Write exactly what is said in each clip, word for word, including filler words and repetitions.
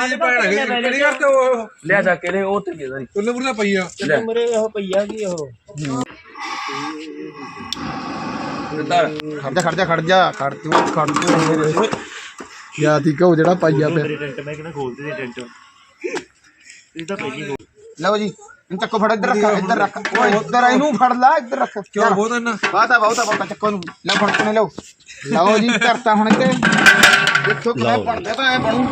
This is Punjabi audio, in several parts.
ਜੀ ਭੈਣ ਹੈਗੀ ਕਿਹੜੀ ਕਰਦੇ ਉਹ ਲਿਆ ਜਾ ਕੇ ਲੈ ਉਹ ਤੇ ਦੇ ਤੁੱਲੇ ਮੁਰਲੇ ਪਈ ਆ ਮੇਰੇ ਉਹ ਪਈਆ ਕੀ ਉਹ ਖੜ ਜਾ ਖੜ ਜਾ ਖੜ ਜਾ ਖੜ ਤੂੰ ਖੜ ਤੂੰ ਯਾ ਠੀਕ ਹੋ ਜਿਹੜਾ ਪਾਈਆ ਪਿਆ ਟੈਂਟ ਮੈਂ ਕਿਹਨਾਂ ਖੋਲਦੇ ਸੀ ਟੈਂਟ ਇਹ ਤਾਂ ਪਹਿਲੀ ਲਓ ਜੀ ਇਹਨੂੰ ਚੱਕੋ ਫੜ ਇੱਧਰ ਰੱਖ ਇੱਧਰ ਰੱਖ ਓਏ ਇੱਧਰ ਇਹਨੂੰ ਫੜ ਲੈ ਇੱਧਰ ਰੱਖ ਕਿਉਂ ਬਹੁਤ ਇੰਨਾ ਬਾਤਾ ਬਹੁਤਾ ਬਹੁਤਾ ਚੱਕੋ ਨੂੰ ਲੈ ਫੜ ਕੇ ਲਓ ਲਓ ਜੀ ਕਰਤਾ ਹੁਣ ਤੇ ਦੇਖੋ ਕਿਵੇਂ ਬਣਦਾ ਤਾਂ ਐ ਬਣੂ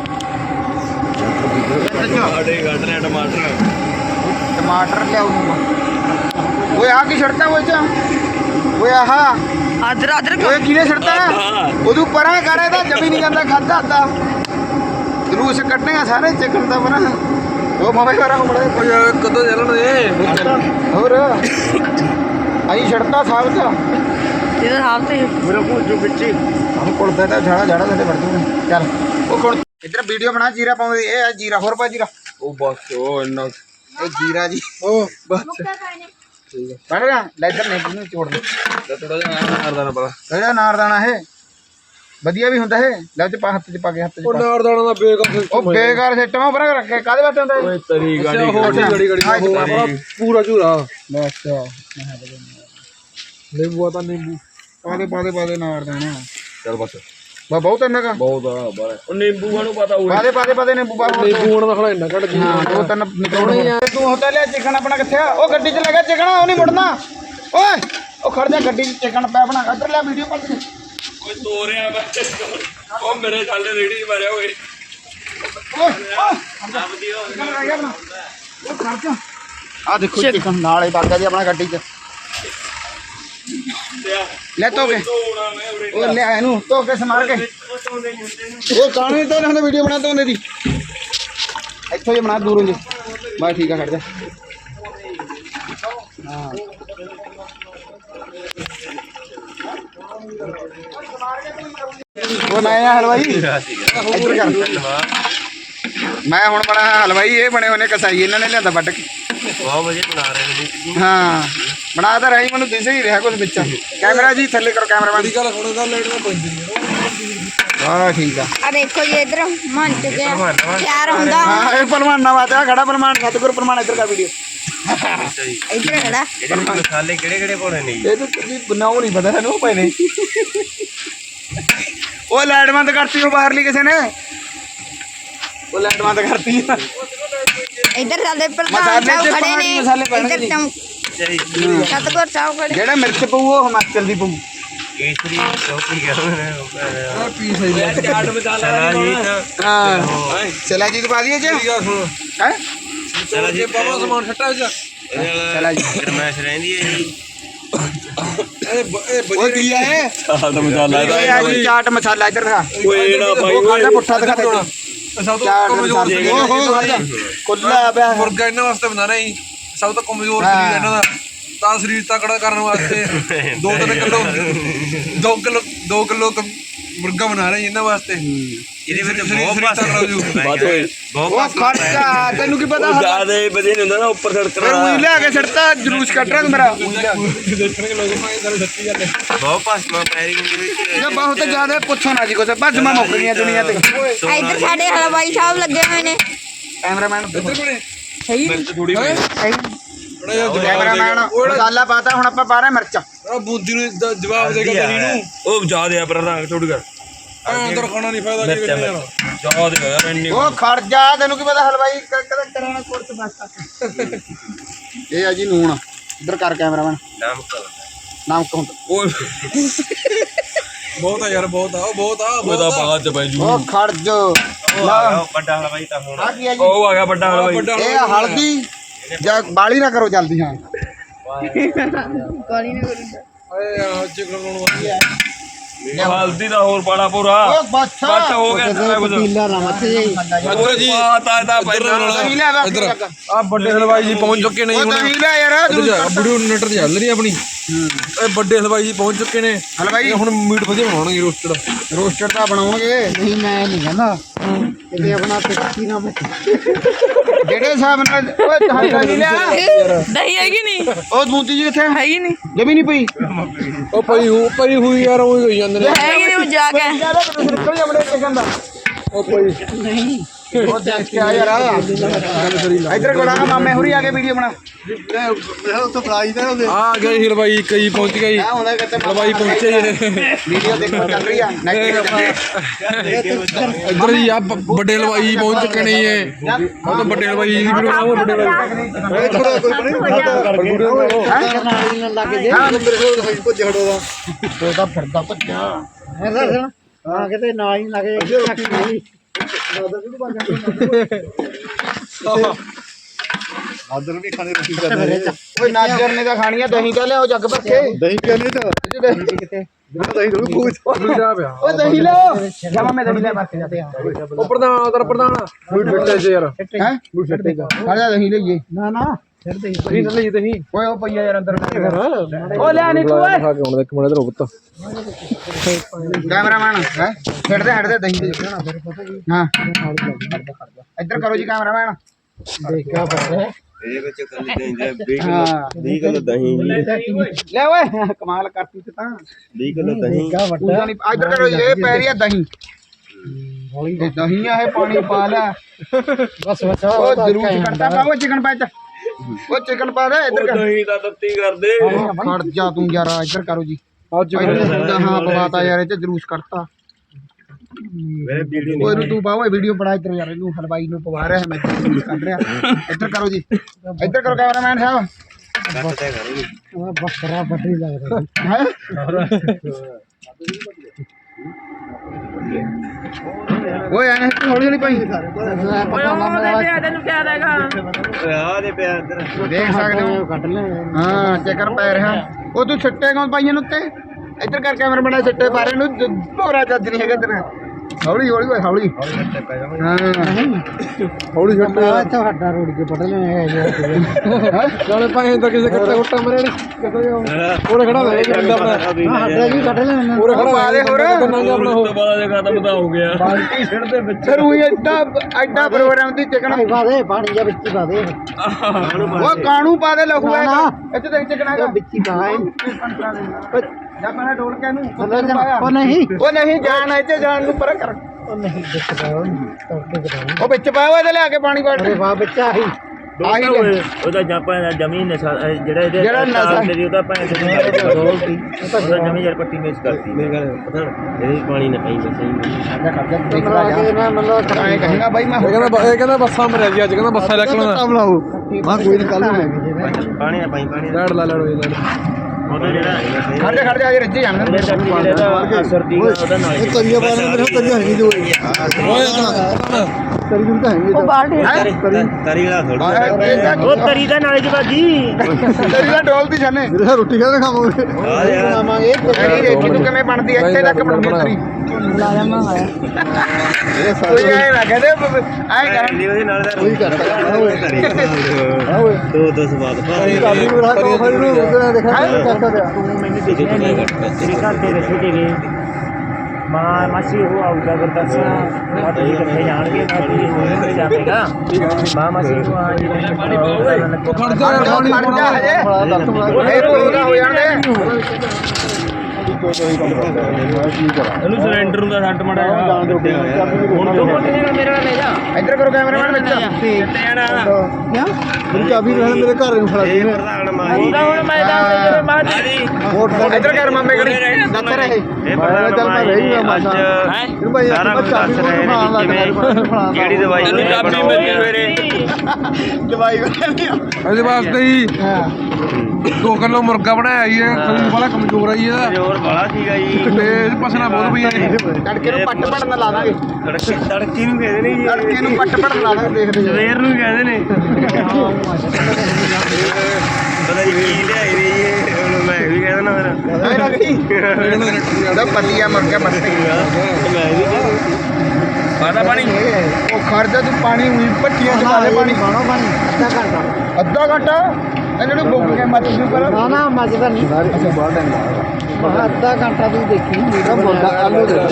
ਸਾਡੇ ਕੱਢ ਰਹੇ ਟਮਾਟਰ ਟਮਾਟਰ ਲਿਆਉ ਓਏ ਆ ਕੀ ਛੜਤਾ ਓਏ ਚਾ ਓਏ ਆਹ ਅਦਰ ਅਦਰ ਓਏ ਕਿਹਨੇ ਛੜਤਾ ਉਹਦੂ ਪਰਾਂ ਕਰੇ ਤਾਂ ਜਮੀ ਨਹੀਂ ਜਾਂਦਾ ਖਾਦਾ ਆਤਾ ਜਲੂਸ ਕੱਢਣੇ ਆ ਸਾਰੇ ਚਿਕਨ ਦਾ ਪਰਾਂ ਉਹ ਮਾਵੇ ਕਰਾਂ ਬੜੇ ਓਏ ਕਦੋਂ ਚੱਲਣ ਇਹ ਹੋਰ ਆਈ ਛੜਤਾ ਸਾਬ ਤਾਂ ਇਹਦਾ ਹਾਲ ਤੇ ਮੇਰਾ ਭੁੱਜੂ ਵਿੱਚੇ ਹਮ ਕੁੜਦਾ ਤਾਂ ਝਾੜਾ ਝਾੜਾ ਸਾਡੇ ਵੜ ਜੂਗੇ ਚੱਲ ਉਹ ਕੁੜ ਇੱਧਰ ਵੀਡੀਓ ਬਣਾ ਜੀਰਾ ਪਾਉਂਦੇ ਇਹ ਆ ਜੀਰਾ ਹੋਰ ਪਾ ਜੀਰਾ ਉਹ ਬਸ ਉਹ ਇੰਨਾ ਇਹ ਜੀਰਾ ਜੀ ਉਹ ਬਸ ਠੀਕ ਹੈ ਬਣ ਗਿਆ ਲੈ ਇੱਧਰ ਨਹੀਂ ਇਹਨੂੰ ਚੋੜ ਦੇ ਥੋੜਾ ਜਿਹਾ ਕਰਦਾ ਨਾ ਪਤਾ ਕਿਹੜਾ ਨਾਰਦਾਣਾ ਇਹ ਵਧੀਆ ਵੀ ਹੁੰਦਾ ਇਹ ਲੈ ਚ ਪਾ ਹੱਥ ਚ ਪਾ ਕੇ ਹੱਥ ਚ ਉਹ ਪਾ ਨਾਰਦਾਣਾ ਦਾ ਬੇਕਾਰ ਉਹ ਬੇਕਾਰ ਸਿੱਟਾਂ ਪਰਾਂ ਰੱਖ ਕੇ ਕਾਹਦੇ ਵਾਸਤੇ ਹੁੰਦਾ ਇਹ ਤਰੀ ਗਾੜੀ ਹੋਰ ਗੜੀ ਗੜੀ ਪੂਰਾ ਝੂਰਾ ਬਸ ਨਿੰਬੂ ਤਾਂ ਨਿੰਬੂ ਪਾ ਦੇ ਪਾ ਦੇ ਪਾ ਦੇ ਨਾਰਦਾਣਾ ਚੱਲ ਬਸ ਬਾ ਬਹੁਤ ਇੰਨਾ ਕਾ ਬਹੁਤ ਆ ਬਾਰੇ ਉਹ ਨਿੰਬੂਆਂ ਨੂੰ ਪਤਾ ਪਾ ਦੇ ਪਾ ਦੇ ਪਾ ਦੇ ਨਿੰਬੂ ਪਾ ਨਿੰਬੂ ਹੁਣ ਦਾ ਖੜਾ ਇੰਨਾ ਕੱਢ ਜੀ ਹਾਂ ਦੋ ਤਿੰਨ ਨਿਕਲਣੇ ਆ ਤੂੰ ਹੋਟਲ ਲਿਆ ਚਿਕਨ ਆਪਣਾ ਕਿੱਥੇ ਆ ਉਹ ਗੱਡੀ 'ਚ ਲੈ ਗਿਆ ਚਿਕਨ ਉਹ ਨਹੀਂ ਮੁੜਨਾ ਓਏ ਉਹ ਖੜ ਜਾ ਗੱਡੀ 'ਚ ਚਿਕਨ ਪੈ ਬਣਾ ਇੱਧਰ ਲੈ ਵੀਡੀਓ ਪਾ ਦੇ ਕੋਈ ਤੋਰਿਆ ਮੈਂ ਉਹ ਮੇਰੇ ਥੱਲੇ ਰੇੜੀ ਮਾਰਿਆ ਓਏ ਆ ਦੇਖੋ ਚਿਕਨ ਨਾਲ ਹੀ ਬਾਗਾ ਜੀ ਆਪਣਾ ਗੱਡੀ 'ਚ ਲੈ ਧੋ ਕੇ ਉਹ ਲੈ ਇਹਨੂੰ ਧੋ ਕੇ ਸਮਾਰ ਕੇ ਉਹ ਕਾਣੇ ਤੋਂ ਨਾ ਵੀਡੀਓ ਬਣਾ ਧੋਂਦੇ ਦੀ ਇੱਥੋਂ ਹੀ ਬਣਾ ਦੂਰੋਂ ਜੀ ਬਸ ਠੀਕ ਆ ਖੜ ਜਾ ਹਾਂ ਉਹ ਮੈਂ ਹਲਵਾਈ ਇੱਧਰ ਕਰ ਮੈਂ ਹੁਣ ਬਣਾ ਹਲਵਾਈ ਇਹ ਬਣੇ ਹੋਣੇ ਕਸਾਈ ਇਹਨਾਂ ਨੇ ਲਿਆਂਦਾ ਵੱਢ ਕੇ ਬਹੁਤ ਵਧੀਆ ਬਣਾ ਰਹੇ ਨੇ ਹਾਂ ਬਣਾ ਤਾਂ ਰਹੀ ਮੈਨੂੰ ਦਿਸ ਹੀ ਰਿਹਾ ਕੁਝ ਵਿੱਚ ਕੈਮਰਾ ਜੀ ਥੱਲੇ ਕਰੋ ਕੈਮਰਾਮੈਨ ਦੀ ਗੱਲ ਹੁਣ ਦਾ ਲੇਟ ਨਾ ਪੈਂਦੀ ਨਹੀਂ ਹਾਂ ਠੀਕ ਆ ਆ ਦੇਖੋ ਜੀ ਇਧਰ ਮੰਚ ਕੇ ਤਿਆਰ ਹੁੰਦਾ ਹਾਂ ਇਹ ਪਹਿਲਵਾਨ ਨਵਾਂ ਤੇ ਖੜਾ ਪਹਿਲਵਾਨ ਸਤਿਗੁਰ ਪਹਿਲਵਾਨ ਇੱਧਰ ਕਰ ਵੀਡੀਓ ਇਧਰ ਖੜਾ ਇਹਦੇ ਵਿੱਚ ਮਸਾਲੇ ਕਿਹੜੇ ਕਿਹੜੇ ਪਾਉਣੇ ਨੇ ਇਹ ਤਾਂ ਤੁਸੀਂ ਬਣਾਉ ਨਹੀਂ ਪਤਾ ਸਾਨੂੰ ਪਏ ਨੇ ਉਹ ਲਾਈਟ ਬੰਦ ਕਰਤੀ ਉਹ ਬਾਹਰਲੀ ਕਿਸੇ ਨੇ ਉਹ ਲਾਈਟ ਬੰਦ ਕਰਤੀ ਇਧਰ ਸਾਡੇ ਪ੍ਰਧਾਨ ਸਾਹਿਬ ਖੜੇ ਨੇ ਇਧਰ ਚਮ ਸਤਗੁਰ ਸਾਹਿਬ ਖੜੇ ਜਿਹੜਾ ਮਿਰਚ ਪਊ ਉਹ ਹਿਮਾਚਲ ਦੀ ਪਊ ਕੇਸਰੀ ਚੌਕੀ ਕਹਿੰਦੇ ਨੇ ਪੀਸ ਹੈ ਚਾਟ ਮਸਾਲਾ ਜੀ ਹਾਂ ਚਲਾ ਜੀ ਪਾ ਦਈਏ ਜੀ ਗੱਲ ਸੁਣ ਹੈ ਚਲਾ ਜੀ ਬਾਬਾ ਸਮਾਨ ਛੱਟਾ ਜਾ ਚਲਾ ਜੀ ਗਰਮੈਸ਼ ਰਹਿੰਦੀ ਹੈ ਜੀ ਇਹ ਇਹ ਉਹ ਕੀ ਹੈ ਚਾਟ ਮਸਾਲਾ ਇਹ ਆ ਜੀ ਚਾਟ ਮਸਾਲਾ ਇੱਧਰ ਦਿਖਾ ਓਏ ਨਾ ਭਾਈ ਉਹ ਖਾਦਾ ਪੁੱਠਾ ਦਿਖਾ ਦੇ ਸਭ ਤੋਂ ਚਾਟ ਕਮਜ਼ੋਰ ਮਸਾਲਾ ਸਰੀਰ ਉਹ ਹੋ ਖੜ ਜਾ ਕੁੱਲਾ ਪਿਆ ਮੁਰਗਾ ਇਹਨਾਂ ਵਾਸਤੇ ਬਣਾਣਾ ਹੀ ਸਭ ਤੋਂ ਕਮਜ਼ੋਰ ਸਰੀਰ ਇਹਨਾਂ ਦਾ ਤਾਂ ਸਰੀਰ ਤਕੜਾ ਕਰਨ ਵਾਸਤੇ ਦੋ ਤਿੰਨ ਕਿਲੋ ਦੋ ਕਿਲੋ ਦੋ ਕਿਲੋ ਮੁਰਗਾ ਬਣਾ ਰਹੇ ਇਹਨਾਂ ਵਾਸਤੇ ਇਹਦੇ ਵਿੱਚ ਬਹੁਤ ਸਰੀਰ ਤਕੜਾ ਹੋ ਜੂ ਬਾਤ ਹੋਏ ਉਹ ਬਹੁਤ ਖਰਚਾ ਤੈਨੂੰ ਕੀ ਪਤਾ ਜਿਆਦਾ ਵਧੀਆ ਨਹੀਂ ਹੁੰਦਾ ਨਾ ਉੱਪਰ ਫਿਰ ਸੜਕਣਾ ਉਹੀ ਲਿਆ ਕੇ ਛੱਡਤਾ ਜਲੂਸ ਕੱਢ ਰਿਹਾ ਤੂੰ ਮੇਰਾ ਦੇਖਣਗੇ ਲੋਕ ਭਾਵੇਂ ਸਾਰੇ ਸੱਚੀ ਜਾਂਦੇ ਬਹੁਤ ਭਾਸ਼ਮਾ ਪੈਰੀ ਦੇ ਵਿੱਚ ਇਹ ਬਹੁਤ ਜ਼ਿਆਦਾ ਪੁੱਛੋ ਨਾ ਜੀ ਕੁਛ ਭੱਜਮਾ ਮੁੱਕ ਗਈਆਂ ਦੁਨੀਆ ਤੇ ਇਧਰ ਸਾਡੇ ਹਲਵਾਈ ਸਾਹਿਬ ਲੱਗੇ ਹੋਏ ਨੇ ਕੈਮਰਾਮੈਨ ਇੱਧਰ ਬਣੇ ਸਹੀ ਥੋੜੀ ਸਹੀ ਬੜਾ ਯਾਰ ਕੈਮਰਾਮੈਨ ਮਸਾਲਾ ਪਾਤਾ ਹੁਣ ਆਪਾਂ ਪਾ ਰਹੇ ਮਿਰਚਾਂ ਆ ਬੂੰਦੀ ਨੂੰ ਦ- ਜਵਾਬ ਦੇਗਾ ਤੇਰੀ ਨੂੰ ਉਹ ਜਿਆਦਾ ਆ ਪਰ ਥੋੜੀ ਕਰ ਐਂ ਅੰਦਰ ਖਾਣਾ ਨਹੀਂ ਫਾਇਦਾ ਕੀ ਕਰਨਾ ਯਾਰ ਜਿਆਦਾ ਯਾਰ ਇੰਨੀ ਉਹ ਖੜ ਜਾ ਤੈਨੂੰ ਕੀ ਪਤਾ ਹਲਵਾਈ ਕਦੇ ਕਰਾਣਾ ਕੋਰਸ ਬਸ ਇਹ ਆ ਜੀ ਨੂਣ ਇੱਧਰ ਕਰ ਕੈਮਰਾਮੈਨ ਨਾਮ ਕਰ ਨਾਮ ਕੌਣ ਓਏ ਬਹੁਤ ਆ ਯਾਰ ਬਹੁਤ ਆ ਉਹ ਬਹੁਤ ਆ ਉਹ ਤਾਂ ਬਾਅਦ ਚ ਪੈ ਜੂ ਉਹ ਖੜ ਜਾ ਉਹ ਆ ਗਿਆ ਵੱਡਾ ਹਲਵਾਈ ਤਾਂ ਹੁਣ ਆ ਕੀ ਆ ਜੀ ਉਹ ਆ ਗਿਆ ਵੱਡਾ ਹਲਵਾਈ ਵੱਡਾ ਇਹ ਆ ਹਲਦੀ ਜਾਂ ਬਾਲੀ ਨਾ ਕਰੋ ਜਲਦੀ ਹਾਂ ਗਾਲੀ ਨਾ ਕਰੀ ਓਏ ਆ ਚਿਕਨ ਬਣਾਉਣ ਵਾਲੀ ਹਲਦੀ ਦਾ ਹੋਰ ਪਾੜਾ ਪੂਰਾ ਉਹ ਬੱਚਾ ਬੱਚ ਹੋ ਗਿਆ ਕੁਝ ਪੀਲਾ ਨਾ ਮੱਥੇ ਜੀ ਇੱਧਰ ਜੀ ਪਤਾ ਤਾਂ ਪਹਿਲਾਂ ਦਹੀਂ ਲੈ ਵਾ ਇੱਧਰ ਆ ਵੱਡੇ ਹਲਵਾਈ ਜੀ ਪਹੁੰਚ ਚੁੱਕੇ ਨੇ ਜੀ ਉਹ ਹੁਣ ਦਹੀਂ ਲੈ ਯਾਰ ਇੱਧਰ ਜਾ ਵੀਡੀਓ ਨੈਟ ਤੇ ਚੱਲ ਰਹੀ ਆਪਣੀ ਇਹ ਵੱਡੇ ਹਲਵਾਈ ਜੀ ਪਹੁੰਚ ਚੁੱਕੇ ਨੇ ਹਲਵਾਈ ਹੁਣ ਮੀਟ ਵਧੀਆ ਬਣਾਉਣਗੇ ਰੋਸਟਡ ਰੋਸਟਰ ਤਾਂ ਬਣਾਉਣਗੇ ਨਹੀਂ ਮੈਂ ਨਹੀਂ ਕਹਿੰਦਾ ਕਿਤੇ ਆਪਣਾ ਟਿੱਕੀ ਨਾ ਜਿਹੜੇ ਹਿਸਾਬ ਨਾਲ ਓਏ ਤੁਹਾਡਾ ਨਹੀਂ ਲਿਆ ਦਹੀਂ ਹੈਗੀ ਨਹੀਂ ਉਹ ਬੂੰਦੀ ਜੀ ਕਿੱਥੇ ਹੈਗੀ ਨਹੀਂ ਜਮੀ ਨਹੀਂ ਪਈ ਉਹ ਪਈ ਹੋ ਪਈ ਹੋਈ ਯਾਰ ਉਹ ਹੋਈ ਜਾਂਦੇ ਨੇ ਹੈਗੀ ਨਹੀਂ ਜਾ ਕੇ ਜਿਆਦਾ ਨਿਕਲ ਜਾ ਬੜੇ ਚਿਕਨ ਦਾ ਉਹ ਪਈ ਨਹੀਂ ਉਹ ਦੇਖ ਕੇ ਆ ਯਾਰ ਇੱਧਰ ਕੋੜਾ ਮਾਮੇ ਹੁਰੀ ਆ ਕੇ ਵੀਡੀਓ ਬਣਾ ਮੈਂ ਉੱਥੇ ਫੜਾਈ ਦਾ ਉਹਦੇ ਆ ਗਈ ਸੀ ਹਲਵਾਈ ਕਈ ਪਹੁੰਚ ਗਈ ਆ ਹੁੰਦਾ ਕਿਤੇ ਹਲਵਾਈ ਪਹੁੰਚੇ ਜੀ ਵੀਡੀਓ ਦੇਖੋ ਚੱਲ ਰਹੀ ਆ ਨੈਟ ਇੱਧਰ ਹੀ ਆ ਬ- ਵੱਡੇ ਹਲਵਾਈ ਪਹੁੰਚ ਚੁੱਕੇ ਨੇ ਜੀ ਇਹ ਉਹ ਤਾਂ ਵੱਡੇ ਹਲਵਾਈ ਦੀ ਵੀਡੀਓ ਬਣਾਓ ਵੱਡੇ ਹਲਵਾਈ ਥੋੜਾ ਕੋਈ ਬਣੀ ਲੱਗ ਜੇ ਹਾਂ ਮੇਰੇ ਕੋਲ ਭੁੱਜ ਹਟੋ ਦਾ ਉਹਦਾ ਫਿਰਦਾ ਭੱਜਾ ਹਾਂ ਕਿਤੇ ਨਾ ਹੀ ਲੱਗੇ ਆਦਰ ਵੀ ਖਾਣੇ ਰੋਟੀ ਕਰਦੇ ਓਏ ਨਾਜਰ ਨੇ ਤਾਂ ਖਾਣੀਆਂ ਦਹੀਂ ਕਾ ਲਿਆਓ ਜੱਗ ਭਰ ਕੇ ਦਹੀਂ ਪਿਆਲੇ ਤਾਂ ਦਹੀਂ ਕਿਤੇ ਦਹੀਂ ਥੋੜੀ ਪੂਛ ਓਏ ਦਹੀਂ ਲਿਆਓ ਜਮਾ ਮੈਂ ਦਹੀਂ ਲੈ ਭਰ ਕੇ ਜਾਂਦੇ ਆ ਉਹ ਪ੍ਰਧਾਨ ਉਧਰ ਪ੍ਰਧਾਨ ਬੂਟ ਫਿੱਟੇ ਚ ਯਾਰ ਹੈ ਬੂਟ ਛੱਟੇਗਾ ਖੜ ਜਾ ਦਹੀਂ ਲਈਏ ਨਾ ਨਾ ਫਿਰ ਦਹੀਂ ਨਹੀਂ ਨਾ ਲਈ ਤੁਸੀਂ ਓਏ ਉਹ ਪਈਆ ਯਾਰ ਅੰਦਰ ਓ ਲੈ ਨਹੀਂ ਤੂੰ ਓਏ ਖਾ ਕੇ ਆਉਣ ਦਾ ਇੱਕ ਮਿੰਟ ਇਧਰ ਪੁੱਤ ਕੈਮਰਾਮੈਨ ਹੈ ਛੱਡਦੇ ਛੱਡਦੇ ਦਹੀਂ ਦੇ ਹਾਂ ਇੱਧਰ ਕਰੋ ਜੀ ਕੈਮਰਾਮੈਨ ਦੇਖਾ ਪੜਦਾ ਇਹ ਵਿੱਚ ਕੱਲੀ ਦਹੀਂ ਦੇ ਵੀਹ ਹਾਂ ਵੀਹ ਕਿਲੋ ਦਹੀਂ ਲੈ ਓਏ ਕਮਾਲ ਕਰਤੀ ਤੇ ਤਾਂ ਵੀਹ ਕਿਲੋ ਦਹੀਂ ਕਾ ਪੂਜਾ ਨਹੀਂ ਇੱਧਰ ਕਰੋ ਜੀ ਇਹ ਪੈ ਰਹੀ ਆ ਦਹੀਂ ਇਹ ਦਹੀਂ ਆ ਇਹ ਪਾਣੀ ਪਾ ਲੈ ਬਸ ਬਸ ਉਹ ਜ਼ਰੂਰ ਕਰਤਾ ਪਾ ਉਹ ਚਿਕਨ ਪਾ ਇੱਧਰ ਉਹ ਚਿਕਨ ਪਾ ਦੇ ਇੱਧਰ ਕਰ ਦਹੀਂ ਦਾ ਤੱਤੀ ਕਰਦੇ ਖੜ ਜਾ ਤੂੰ ਯਾਰ ਇੱਧਰ ਕਰੋ ਜੀ ਅੱਜ ਇੱਧਰ ਹਾਂ ਪਵਾਤਾ ਯਾਰ ਇਹ ਚ ਜਲੂਸ ਕੱਢਤਾ ਮੇਰੇ ਵੀਡੀਓ ਓਏ ਨੂੰ ਤੂੰ ਪਾ ਓਏ ਵੀਡੀਓ ਬਣਾ ਇੱਧਰ ਯਾਰ ਇਹਨੂੰ ਹਲਵਾਈ ਨੂੰ ਪਵਾ ਰਿਹਾ ਮੈਂ ਜਲੂਸ ਕੱਢ ਰਿਹਾ ਇੱਧਰ ਕਰੋ ਜੀ ਇੱਧਰ ਕਰੋ ਕੈਮਰਾਮੈਨ ਸਾਹਿਬ ਕੱਟਦੇ ਕਰਾਂਗੇ ਬੱਕਰਾ ਬੱਟਰੀ ਲੱਗਦਾ ਹੈ ਓਏ ਐ ਹੌਲੀ ਹੌਲੀ ਭਾਈ ਆ ਦੇ ਪਿਆ ਇੱਧਰ ਦੇਖ ਸਕਦੇ ਹੋ ਕੱਢ ਲੈ ਹਾਂ ਚਿਕਨ ਪੈ ਰਿਹਾ ਉਹ ਤੂੰ ਛੱਟੇ ਕੌਣ ਪਾਈਆਂ ਨੂੰ ਉੱਤੇ ਇੱਧਰ ਕਰ ਕੈਮਰਾ ਬਣਾ ਛੱਟੇ ਪਾ ਰਹੇ ਨੂੰ ਭੋਰਾ ਚੱਜ ਨਹੀਂ ਹੈਗਾ ਤੇਰਾ ਹੌਲੀ ਹੌਲੀ ਓਏ ਹੌਲੀ ਹਾਂ ਹੌਲੀ ਛੱਟੇ ਇੱਥੇ ਹੱਡਾ ਰੋੜ ਕੇ ਪੜ ਲੈ ਹੈ ਨਾਲੇ ਭਾਵੇਂ ਤਾਂ ਕਿਸੇ ਕੱਟਾ ਕੁੱਟਾ ਮਰੇ ਨੇ ਕਿਤੇ ਉਹਨੇ ਖੜਾ ਹੋਇਆ ਜੀ ਬੰਦਾ ਆਪਣਾ ਹੱਡਾ ਵੀ ਕੱਢ ਲੈ ਉਹਨੇ ਖੜਾ ਪਾ ਦੇ ਹੋਰ ਨਾਂਗਾ ਆਪਣਾ ਉਹ ਬਾਅਦ ਦੇ ਖਤਮ ਤਾਂ ਹੋ ਗਿਆ ਬਾਲਟੀ ਛੱਡਦੇ ਵਿੱਚ ਫਿਰ ਉਹੀ ਐਡਾ ਐਡਾ ਪ੍ਰੋਗਰਾਮ ਦੀ ਚਿਕਨ ਪਾ ਦੇ ਪਾਣੀ ਜਾਂ ਵਿੱਚ ਹੀ ਪਾ ਦੇ ਉਹ ਕਾਣੂ ਪਾ ਦੇ ਲਹੂ ਹੈਗਾ ਇੱਥੇ ਦੇਖ ਚਿਕਨ ਹੈਗਾ ਵਿੱਚ ਹੀ ਪਾ ਜਾ ਪਹਿਲਾਂ ਡੋਲ ਕੇ ਇਹਨੂੰ ਉਹ ਨਹੀਂ ਉਹ ਨਹੀਂ ਜਾਣ ਇੱਥੇ ਜਾਣ ਨੂੰ ਪਰ ਕਰ ਉਹ ਨਹੀਂ ਵਿੱਚ ਪਾਓ ਤੜਕੇ ਕਰਾਉਂ ਉਹ ਵਿੱਚ ਪਾਓ ਇਹਦੇ ਲਿਆ ਕੇ ਪਾਣੀ ਅਰੇ ਬਾਲਟੀ ਵਾਹ ਬੱਚਾ ਆਹੀ ਆਹੀ ਲੈ। ਉਹਦਾ ਜਾਪਾ ਜ਼ਮੀਨ ਨੇ ਜਿਹੜਾ ਇਹਦੇ ਜਿਹੜਾ ਨਸ਼ਾ- ਤੇਰੀ ਉਹਦਾ ਭੈਣ ਉਹਦਾ ਜ਼ਮੀਨ ਯਾਰ ਪੱਟੀ ਮੇਚ ਕਰਤੀ ਮੇਰੇ ਗੱਲ ਪਤਾ ਇਹਦੇ ਪਾਣੀ ਨਾ ਪਈ ਬਸ ਖਰਜਾ ਖਰਜਾ ਦੇਖਦਾ ਜਾ ਮੈਂ ਮਤਲਬ ਐਂ ਕਹੇਗਾ ਬਾਈ ਮੈਂ ਇਹ ਕਹਿੰਦਾ ਇਹ ਕਹਿੰਦਾ ਬੱਸਾਂ ਮਰਿਆ ਜੀ ਅੱਜ ਕਹਿੰਦਾ ਬੱਸਾਂ ਨਿਕਲਣਾ ਬਣਾਓ ਮੈਂ ਕੋਈ ਨਹੀਂ ਕੱਲ ਨੂੰ ਪਾਣੀ ਨਾ ਪਾਈ ਪਾਣੀ ਲੈੜ ਲਾ ਲੈੜੋ ਇਹ ਲੈੜ ਉਹਦਾ ਜਿਹੜਾ ਖਰਜਾ ਖਰਜਾ ਅਜੇ ਰੱਜੇ ਜਾਣ ਉਹਦੇ ਚੱਕੀ ਜਿਹੜੇ ਦਾ ਸਰਦੀ ਦਾ ਉਹਦਾ ਨਾਲ ਹੀ ਤਰੀਆ ਬਾਰੇ ਮੇਰੇ ਤਰੀਆ ਨਹੀਂ ਜੋ ਓਏ ਤਰੀ ਨੂੰ ਤਾਂ ਹੈ ਉਹ ਬਾਲਟੀ ਤਰੀ ਵਾਲਾ ਥੋੜਾ ਉਹ ਉਹ ਤਰੀ ਦਾ ਨਾਲੇ ਦੀ ਬਾਜੀ ਤੇਰੀ ਦਾ ਡੋਲ ਦੀ ਛਾਨੇ ਮੇਰੇ ਰੋਟੀ ਖਾਣੇ ਖਾਵਾਂਗੇ ਆ ਯਾਰ ਖਾਵਾਂਗੇ ਤੇਰੀ ਦੇਖੀ ਤੂੰ ਕਿਵੇਂ ਬਣਦੀ ਐ ਇੱਥੇ ਤੱਕ ਬਣਦੀ ਐ ਤੇਰੀ ਮੁਲਾਜ਼ਮ ਆਇਆ ਕੋਈ ਐ ਨਾ ਕਹਦੇ ਐ ਕਰ ਨਹੀਂ ਉਹਦੇ ਨਾਲ ਦਾ ਕੋਈ ਕਰਦਾ ਓਏ ਦੋ ਦੋ ਸਵਾਦ ਕਾਬੀ ਨੂੰ ਰਹਾ ਕੋ ਫੜ ਨੂੰ ਉਹਦਾ ਦੇਖਾ ਕਰਦਾ ਪਿਆ ਤੂੰ ਮੈਨੂੰ ਦੇਖੇ ਤੇਰੇ ਘਰ ਦੇ ਵਿੱਚ ਤੇਰੇ ਮਾਂ ਮਾਸੀ ਉਹ ਆਊਗਾ ਗੁਰਦਾਸ ਮਾਂ ਤੁਸੀਂ ਇਕੱਠੇ ਜਾਣਗੇ ਮੈਂ ਤੁਸੀਂ ਹੋਏ ਜਾਵੇਗਾ ਮਾਂ ਮਾਸੀ ਨੂੰ ਆ ਜੀ ਪਾਣੀ ਉਹ ਖੜ ਜਾ ਯਾਰ ਪਾਣੀ ਖੜ ਜਾ ਹਜੇ ਦੱਸ ਬਣਾ ਇਹ ਪੂਰਾ ਹੋ ਜਾਣਗੇ ਇਹਨੂੰ ਸਿਲੰਡਰ ਨੂੰ ਦਾ ਸੱਟ ਮੜਾ ਜਾਣ ਦਿਓ ਹੁਣ ਤੂੰ ਕੋਲ ਜਾਏਗਾ ਮੇਰੇ ਨਾਲ ਲੈ ਜਾ ਇੱਧਰ ਕਰੋ ਕੈਮਰਾਮੈਨ ਵਿੱਚ ਕਿੱਥੇ ਜਾਣਾ ਕਿਆ ਮੇਰੀ ਚਾਬੀ ਰਹਿਣ ਮੇਰੇ ਘਰ ਨੂੰ ਫੜਾ ਦੇ ਇਹ ਪ੍ਰਧਾਨ ਮਾਹੀ ਹੁਣ ਮੈਦਾਨ ਦੇ ਮਾਂ ਜੀ ਵੋਟ ਇੱਧਰ ਕਰ ਮਾਮੇ ਕੜੀ ਦੱਸ ਰਹੇ ਇਹ ਮੈਂ ਚੱਲ ਪ੍ਰਧਾਨ ਮੈਂ ਰਹੀ ਹਾਂ ਮਾਹੀ ਮਾਤਾ ਅੱਜ ਫਿਰ ਭਾਈ ਸਾਰਾ ਆਪਾਂ ਕੁਝ ਚਾਬੀ ਦੱਸ ਰਹੇ ਬਣਾਉਣ ਲੱਗ ਨੇ ਗਏ ਕਿਹੜੀ ਦਵਾਈ ਚਾਬੀ ਮਿਲੀ ਸਵੇਰੇ ਦਵਾਈ ਇਹਦੇ ਵਾਸਤੇ ਹੀ ਹਾਂ ਦੋ ਕਿਲੋ ਮੁਰਗਾ ਬਣਾਇਆ ਜੀ ਇਹ ਖੂਨ ਬੜਾ ਕਮਜ਼ੋਰ ਆ ਜੀ ਇਹਦਾ ਜ਼ੋਰ ਬੜਾ ਸੀਗਾ ਜੀ ਤੇ ਇਹ ਪਸਣਾ ਬਹੁਤ ਪਈ ਹੈ ਤੜਕੇ ਨੂੰ ਪੱਟ ਪੜਨ ਲਾ ਦਾਂਗੇ ਤੜਕੇ ਤੜਕੀ ਨੂੰ ਕਹਿੰਦੇ ਨੇ ਜੀ ਤੜਕੇ ਨੂੰ ਪੱਟ ਪੜਨ ਲਾ ਦਾਂਗੇ ਦੇਖਦੇ ਜਾ ਸਵੇਰ ਨੂੰ ਕਹਿੰਦੇ ਨੇ ਪਤਾ ਨਹੀਂ ਕੀ ਲਿਆਈ ਨੇ ਜੀ ਇਹ, ਹੁਣ ਮੈਂ ਵੀ ਕਹਿੰਦਾ ਨਾ ਫਿਰ ਐ ਲੱਗੀ ਉਹਦਾ ਪਤੀਆ ਮੁਰਗਾ ਮਸਤ ਮੈਂ ਵੀ ਪਾਦਾ ਪਾਣੀ ਉਹ ਖਰਜਾ ਤੂੰ ਪਾਣੀ ਉਹੀ ਪੱਟੀਆਂ ਚ ਪਾ ਦੇ ਪਾਣੀ ਬਾਣੋ ਪਾਣੀ ਅੱਧਾ ਘੰਟਾ ਅੱਧਾ ਘੰਟਾ ਇਹਨਾਂ ਨੂੰ ਬੁੱਕ ਕੇ ਮੱਚ ਜੂ ਕਰ ਨਾ ਨਾ ਮੱਜਦਾ ਨਹੀਂ ਅੱਛਾ ਬਾਹਰ ਟਾਈਮ ਲਾ ਮੈਂ ਅੱਧਾ ਘੰਟਾ ਤੂੰ ਦੇਖੀ ਮੇਰਾ ਮੁੰਡਾ ਆਲੂ ਦੇ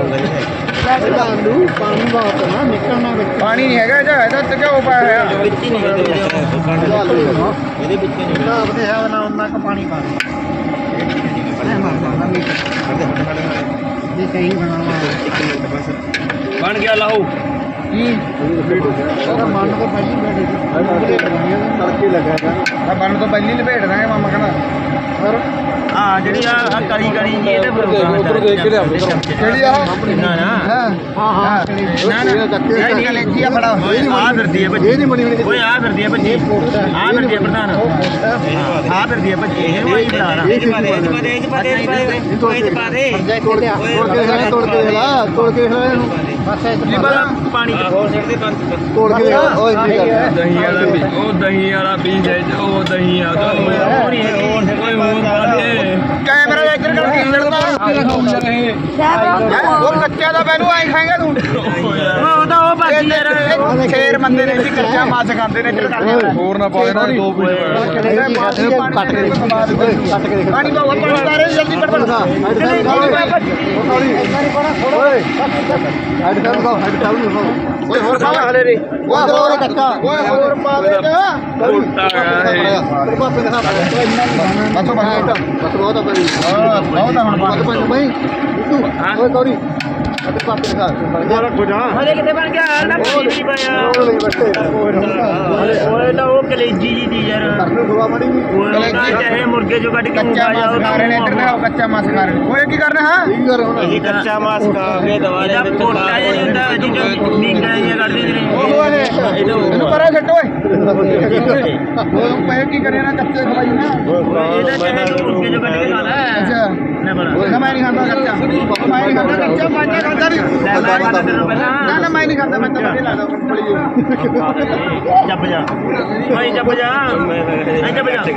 ਆਲੂ ਪਾਣੀ ਬਹੁਤ ਨਾ ਨਿਕਲਣਾ ਵਿੱਚ ਪਾਣੀ ਨਹੀਂ ਹੈਗਾ ਇਹਦਾ ਇਹਦਾ ਤੇ ਕਿਉਂ ਪਾਇਆ ਹੋਇਆ ਵਿੱਚ ਹੀ ਨਹੀਂ ਕਹਿੰਦੇ ਇਹਦੇ ਵਿੱਚ ਨਹੀਂ ਨਾ ਆਪਣੇ ਹੈ ਨਾ ਉਹਨਾਂ ਕਾ ਪਾਣੀ ਪਾ ਦੇ ਮੈਂ ਮਾਰਦਾ ਨਾ ਇਹ ਕਹੀਂ ਬਣਾਵਾ ਬਣ ਗਿਆ ਲਾਹੂ ਕੀ ਉਹਦਾ ਮਨ ਤੋਂ ਪਹਿਲੀ ਬੈਠੇ ਤੜਕੇ ਲੱਗਾ ਬੰਨ ਤੋਂ ਪਹਿਲੀ ਲਪੇਟ ਦਾਂਗੇ ਮਾਮਾ ਕਹਿੰਦਾ ਹੋਰ ਹਾਂ ਜਿਹੜੀ ਆ ਕਲੀ ਕਲੀ ਜੀ ਇਹਦੇ ਪਰ ਉੱਪਰ ਦੇਖ ਕੇ ਲਿਆਉਂਦੇ ਕਿਹੜੀ ਆ ਨਾ ਨਾ ਹਾਂ ਹਾਂ ਨਾ ਨਾ ਇਹ ਕਲੇਜੀ ਆ ਬੜਾ ਆ ਫਿਰਦੀ ਹੈ ਬੱਚੀ ਇਹ ਨਹੀਂ ਬਣੀ ਬਣੀ ਓਏ ਆ ਫਿਰਦੀ ਹੈ ਬੱਚੀ ਆ ਫਿਰਦੀ ਹੈ ਪ੍ਰਧਾਨ ਆ ਫਿਰਦੀ ਹੈ ਬੱਚੀ ਇਹ ਵਾਲੀ ਬਣਾ ਲਾ ਇਹ ਪਾ ਦੇ ਇਹ ਪਾ ਦੇ ਇਹ ਪਾ ਦੇ ਇਹ ਪਾ ਦੇ ਤੋੜ ਕੇ ਤੋੜ ਕੇ ਲਾ ਤੋੜ ਕੇ ਇਹਨੂੰ ਬਸ ਇਹ ਪਾਣੀ ਚ ਹੋਰ ਛੱਡ ਦੇ ਬੰਦ ਤੋੜ ਕੇ ਓਏ ਕੀ ਕਰ ਦਹੀਂ ਵਾਲਾ ਵੀ ਉਹ ਦਹੀਂ ਵਾਲਾ ਬੀਜ ਹੈ ਉਹ ਦਹੀਂ ਆ ਹੋਰ ਹੀ ਓਏ ਹੋਰ ਪਾ ਦੇ ਕੈਮਰਾ ਇੱਧਰ ਕਰ ਕੇ ਲੜਦਾ ਉਹ ਕੱਚਾ ਦਾ ਮੈਨੂੰ ਐਂ ਖਾਏਗਾ ਤੂੰ ਉਹ ਤਾਂ ਉਹ ਬਾਕੀ ਯਾਰ ਸ਼ੇਰ ਬੰਦੇ ਨੇ ਜੀ ਕੱਚਾ ਮਾਸ ਖਾਂਦੇ ਨੇ ਇੱਧਰ ਕਰ ਹੋਰ ਨਾ ਪਾ ਦੇਣਾ ਦੋ ਪੀਸ ਕੱਟ ਕੇ ਕੱਟ ਕੇ ਪਾਣੀ ਪਾਓ ਪਾਣੀ ਪਾ ਰਹੇ ਜਲਦੀ ਪੜ ਪੜ ਓਏ ਹੈਡ ਕਰ ਲਓ ਹੈਡ ਕਰ ਲਓ ਓਏ ਹੋਰ ਪਾ ਹਲੇ ਰੇ ਓਏ ਹੋਰ ਕੱਚਾ ਓਏ ਹੋਰ ਪਾ ਦੇ ਨਾ ਤੇਰੇ ਪਾਪੇ ਦਾ ਬਸ ਬਸ ਬਸ ਬਹੁਤ ਆ ਬਈ ਹਾਂ ਬਹੁਤ ਆ ਹੁਣ ਬਾਤ ਬਈ ਤੂੰ ਓਏ ਗੌਰੀ ਅਤੇ ਪਾਪੇ ਦਾ ਬੜਾ ਖੋਜਾ ਹਲੇ ਕਿਤੇ ਬਣ ਗਿਆ ਹਾਲ ਨਾ ਕੋਈ ਨਹੀਂ ਪਾਇਆ ਉਹ ਲਈ ਬੱਟੇ ਓਏ ਤਾਂ ਉਹ ਕਲੇਜੀ ਜੀ ਦੀ ਯਾਰ ਨੂੰ ਖਵਾ ਮੜੀ ਓਏ ਚਾਹੇ ਮੁਰਗੇ ਜੋ ਕੱਢ ਕੇ ਕੱਚਾ ਮਾਸ ਖਾ ਰਹੇ ਨੇ ਇੱਧਰ ਨਾ ਕੱਚਾ ਮਾਸ ਖਾ ਰਹੇ ਨੇ ਓਏ ਕੀ ਕਰਨਾ ਹੈ ਕੀ ਕਰ ਹੁਣ ਇਹ ਕੱਚਾ ਮਾਸ ਖਾ ਕੇ ਦਵਾਰੇ ਦਾ ਕੋਟਾ ਜਿਹਾ ਹੁੰਦਾ ਜਿਹਨੂੰ ਨੀਂਗਾਂ ਜਿਹੀਆਂ ਕੱਢਦੇ ਨੇ ਓਹ ਓਏ ਇਹਨੂੰ ਪਰੇ ਛੱਡ ਓਏ ਉਹ ਪਏ ਕੀ ਕਰਿਆ ਨਾ ਕੱਚੇ ਖਵਾਈ ਨਾ ਇਹਦਾ ਚਾਹੇ ਤੂੰ ਮੁਰਗੇ ਜੋ ਕੱਢ ਕੇ ਖਾ ਲੈ ਅੱਛਾ ਨਾ ਬਣਾ ਨਾ ਮੈਂ ਨਹੀਂ ਖਾਂਦਾ ਕੱਚਾ ਮੈਂ ਨਹੀਂ ਖਾਂਦਾ ਕੱਚਾ ਮੈਂ ਖਾਂਦਾ ਨਹੀਂ ਲੈ ਮੈਂ ਖਾਣਾ ਤੈਨੂੰ ਪਹਿਲਾਂ ਨਾ ਨਾ ਮੈਂ ਨਹੀਂ ਖਾਂਦਾ ਮੈਂ ਤਾਂ ਬੜੇ ਲੱਗਦਾ ਬੜੀ ਜੱਬ ਜਾ ਭਾਈ ਜੱਬ ਜਾ ਨਹੀਂ ਜੱਬ ਜਾ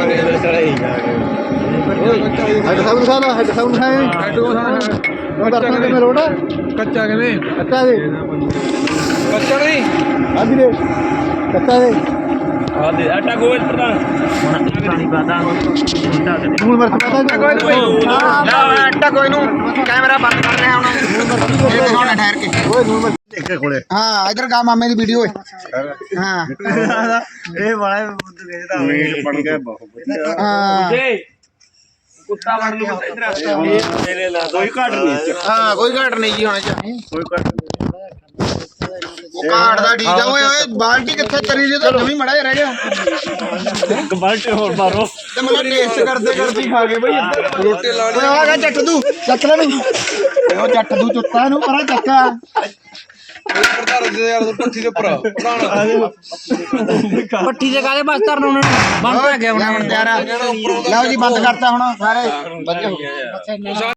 ਹੈਡ ਸਾਊਂਡ ਖਾਦਾ ਹੈਡ ਸਾਊਂਡ ਖਾਏ ਉਹ ਦਰਸ਼ਨ ਕਿਵੇਂ ਰੋੜਾ ਕੱਚਾ ਕਿਵੇਂ ਕੱਚਾ ਦੇ ਕੱਚਾ ਨਹੀਂ ਹਾਂਜੀ ਦੇ ਕੱਚਾ ਦੇ ਆ ਦੇ ਆਟਾ ਗੋਲ ਪ੍ਰਧਾਨ ਹੁਣ ਪਾਣੀ ਪਾਦਾ ਹੁੰਦਾ ਕਦੇ ਹੁਣ ਮਰਚ ਪਤਾ ਕੋਈ ਕੋਈ ਨਾ ਆਟਾ ਕੋਈ ਨੂੰ ਕੈਮਰਾ ਬੰਦ ਕਰ ਰਿਹਾ ਹੁਣ ਇਹ ਦਿਖਾਉਣਾ ਠਹਿਰ ਕੇ ਓਏ ਨੂੰ ਮਰਚ ਦੇਖ ਕੇ ਕੋਲੇ ਹਾਂ ਇਧਰ ਗਾ ਮਾਮੇ ਦੀ ਵੀਡੀਓ ਓਏ ਹਾਂ ਇਹ ਬੜਾ ਬੁੱਧ ਵੇਚਦਾ ਮੀਟ ਬਣ ਗਿਆ ਬਹੁਤ ਹਾਂ ਕੁੱਤਾ ਬਣ ਲੂ ਇਧਰ ਮੇਰੇ ਲਾ ਕੋਈ ਘਾਟ ਨਹੀਂ ਹਾਂ ਕੋਈ ਘਾਟ ਨਹੀਂ ਜੀ ਹੋਣਾ ਚਾਹੀਏ ਕੋਈ ਘਾਟ ਉਹ ਘਾਟ ਦਾ ਠੀਕ ਆ ਓਏ ਓਏ ਬਾਲਟੀ ਕਿੱਥੇ ਤਰੀ ਜੀ ਤਾਂ ਨਵੀਂ ਮੜਾ ਰਹਿ ਗਿਆ ਇੱਕ ਬਾਲਟੀ ਹੋਰ ਮਾਰੋ ਤੇ ਮੈਨੂੰ ਟੇਸਟ ਕਰਦੇ ਕਰਦੇ ਖਾ ਗਏ ਬਈ ਇੱਧਰ ਰੋਟੀ ਲਾ ਓਏ ਆ ਗਿਆ ਜੱਟ ਤੂੰ ਚੱਕ ਲੈ ਨੂੰ ਉਹ ਜੱਟ ਤੂੰ ਚੁੱਤਾ ਨੂੰ ਪਰਾਂ ਚੱਕਾ ਪ੍ਰਧਾਨ ਦੇ ਯਾਰ ਪੱਠੀ ਦੇ ਉੱਪਰ ਪ੍ਰਧਾਨ ਪੱਟੀ ਦੇ ਕਾਲੇ ਬਸ ਧਰਨ ਉਹਨਾਂ ਨੂੰ ਬੰਦ ਹੋ ਗਿਆ ਹੁਣ ਤਿਆਰ ਆ ਲਓ ਜੀ ਬੰਦ ਕਰਤਾ ਹੁਣ ਸਾਰੇ ਵਧੀਆ ਹੋ ਗਏ